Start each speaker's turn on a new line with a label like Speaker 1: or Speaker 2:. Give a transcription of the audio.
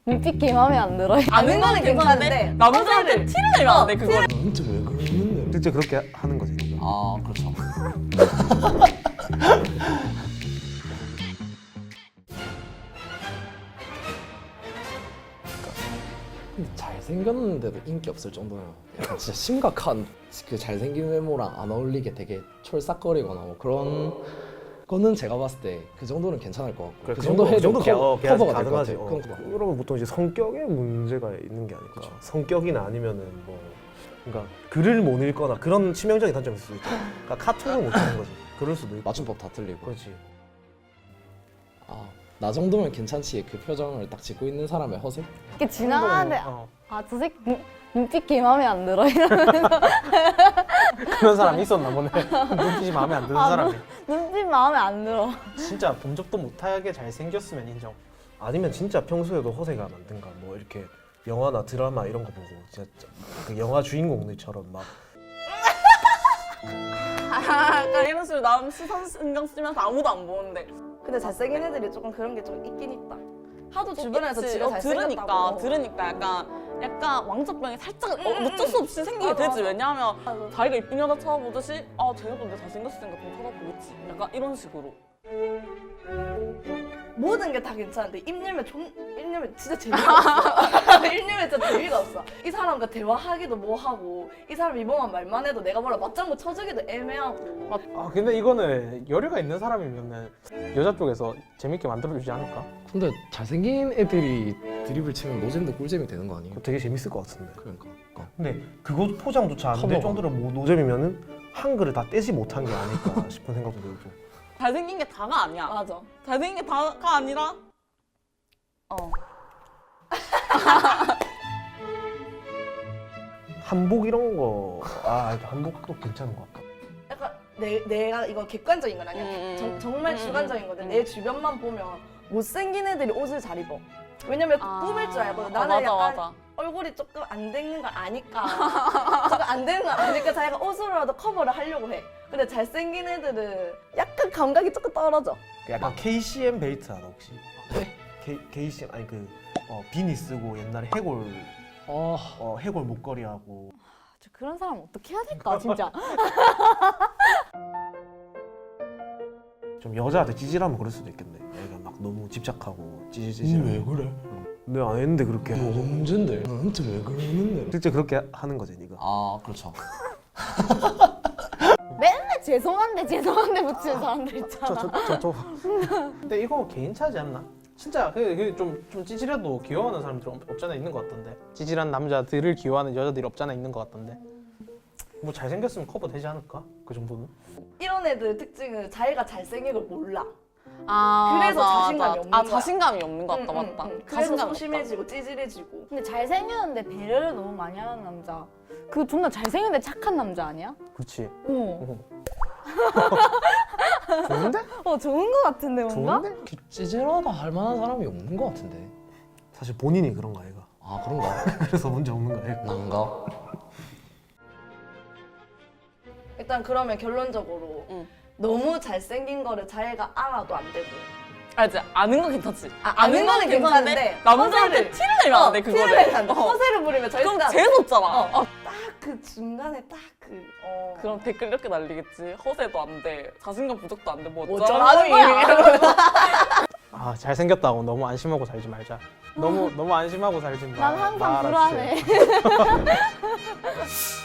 Speaker 1: 눈빛 게 마음에 안 들어.
Speaker 2: 아는 거는 괜찮은데 남자한테 티를 내면 안 돼, 그걸.
Speaker 3: 진짜 왜 그러는데? 실제 그렇게 하는 거지. 이거.
Speaker 4: 아 그렇죠. 잘생겼는데도 인기 없을 정도면 약간 진짜 심각한 그 잘생긴 외모랑 안 어울리게 되게 촐싹거리거나 뭐 그런 거는 제가 봤을 때 그 정도는 괜찮을 것 같고
Speaker 3: 그래,
Speaker 4: 그 정도 해도 커버가 될 것
Speaker 3: 가능하지.
Speaker 4: 같아요.
Speaker 3: 그러면 보통 이제 성격에 문제가 있는 게 아닐까. 성격이나 아니면은 뭐 그러니까 글을 못 읽거나 그런 치명적인 단점이 있을 수도 있죠. 그러니까 카톡을 못 하는 거지. 그럴 수도 있고.
Speaker 4: 맞춤법 다 틀리고
Speaker 3: 그렇지.
Speaker 4: 아, 나 정도면 괜찮지 그 표정을 딱 짓고 있는 사람의 허세?
Speaker 1: 이렇게 지나가는데
Speaker 5: 어.
Speaker 1: 아 저 새끼 눈빛 게 마음에 안 들어 이러면서
Speaker 5: 그런 사람이 있었나 보네. 눈빛이 마음에 안 드는 사람이.
Speaker 1: 눈빛 마음에 안 들어.
Speaker 5: 진짜 본 적도 못하게 잘생겼으면 인정.
Speaker 3: 아니면 진짜 평소에도 허세가 많든가 뭐 이렇게 영화나 드라마 이런 거 보고 진짜 그 영화 주인공들처럼 막
Speaker 2: 약간 이런 식으로 남 시선 신경 쓰면서 아무도 안 보는데.
Speaker 6: 근데 잘생긴 애들이 조금 그런 게 좀 있긴 있다. 하도 주변에서
Speaker 2: 그치.
Speaker 6: 지가 잘생겼다고.
Speaker 2: 들으니까 약간 왕자병이 살짝 어쩔 수 없이 생기게 되지. 왜냐하면 자기가 이쁜 여자 찾아보듯이 아 쟤가 근데 잘생겼으니까 좀 찾아보겠지. 약간 이런 식으로.
Speaker 6: 모든 게 다 괜찮은데 입 열면 진짜 재미가 없어. 입 열면 진짜 재미가 없어. 이 사람과 대화하기도 뭐하고 이 사람 이번만 말만 해도 내가 뭐라 맞장구 쳐주기도 애매하고.
Speaker 5: 아 근데 이거는 열애가 있는 사람이면은 여자 쪽에서 재밌게 만들어주지 않을까?
Speaker 4: 근데 잘생긴 애들이 드립을 치면 노잼도 꿀잼이 되는 거 아니에요?
Speaker 3: 되게 재밌을 것 같은데.
Speaker 4: 그러니까
Speaker 3: 근데 그거 포장조차 안 될
Speaker 4: 커버가.
Speaker 3: 정도로 뭐 노잼이면은 한글을 다 떼지 못한 게 아닐까 싶은 생각도 들고.
Speaker 2: 잘생긴 게 다가 아니야.
Speaker 6: 맞아.
Speaker 2: 잘생긴 게 다가 아니라
Speaker 3: 한복 이런 거, 한복도 괜찮은 것 같다.
Speaker 6: 약간 내가 이건 객관적인 건 아니야. 정말 주관적인 건데 내 주변만 보면 못생긴 애들이 옷을 잘 입어. 왜냐면 꾸밀 줄 알거든. 나는
Speaker 2: 맞아,
Speaker 6: 약간
Speaker 2: 맞아.
Speaker 6: 얼굴이 조금 안 되는 걸 아니까 조금 안 되는 걸 아니까 자기가 옷으로라도 커버를 하려고 해. 근데 잘생긴 애들은 약간 감각이 조금 떨어져.
Speaker 3: 약간 KCM 벨트 알아 혹시? KCM 아니 비니 쓰고 옛날에 해골 해골 목걸이 하고.
Speaker 1: 저 그런 사람 어떻게 해야 될까 진짜.
Speaker 3: 좀 여자한테 찌질하면 그럴 수도 있겠네. 애가 막 너무 집착하고 찌질찌질.
Speaker 4: 왜 그래?
Speaker 3: 내가 안 했는데 그렇게.
Speaker 4: 언젠데? 나한테 왜 그러는데?
Speaker 3: 실제 그렇게 하는 거지 네가.
Speaker 4: 아 그렇죠.
Speaker 1: 맨날 죄송한데 붙이는 사람들 있잖아.
Speaker 5: 근데 이거 개인 차지 않나? 진짜 좀 찌질해도 귀여워하는 사람들이 없잖아 있는 것 같던데. 찌질한 남자들을 귀여워하는 여자들이 없잖아 있는 것 같던데. 뭐 잘생겼으면 커버 되지 않을까? 그 정도는?
Speaker 6: 이런 애들 특징은 자기가 잘생긴 걸 몰라.
Speaker 2: 아
Speaker 6: 그래서
Speaker 2: 맞아,
Speaker 6: 자신감이
Speaker 2: 맞아.
Speaker 6: 없는
Speaker 2: 아
Speaker 6: 거야.
Speaker 2: 자신감이 없는 것 같다. 맞다.
Speaker 6: 그래서
Speaker 2: 자신감이
Speaker 6: 소심해지고 찌질해지고.
Speaker 1: 근데 잘생겼는데 배려를 너무 많이 하는 남자. 그 존나 잘생겼는데 착한 남자 아니야?
Speaker 5: 그렇지. 좋은데?
Speaker 1: 좋은 거 같은데 뭔가?
Speaker 5: 좋은데?
Speaker 4: 찌질하다 할 만한 사람이 없는 것 같은데.
Speaker 3: 사실 본인이 그런가 애가.
Speaker 4: 아 그런가?
Speaker 3: 그래서 문제 없는 거야. 애가.
Speaker 4: 난가?
Speaker 6: 일단 그러면 결론적으로 너무 잘생긴 거를 자기가 알아도 안 되고.
Speaker 2: 알지? 아는 건 괜찮지.
Speaker 6: 아는 거는 괜찮은데
Speaker 2: 남자한테
Speaker 6: 허세를-
Speaker 2: 티를 내면 안 돼, 그거를.
Speaker 6: 티를 내면 안 돼. 허세를 부리면 절대
Speaker 2: 그럼
Speaker 6: 안 돼.
Speaker 2: 재수없잖아.
Speaker 6: 딱 그 중간에
Speaker 2: 그럼 댓글 이렇게 날리겠지. 허세도 안 돼. 자신감 부족도 안 돼. 뭐
Speaker 6: 어쩌라는 거야.
Speaker 5: 아 잘생겼다고 너무 안심하고 살지 말자. 너무 안심하고 살지 마.
Speaker 1: 난 항상
Speaker 5: 말아주세요.
Speaker 1: 불안해.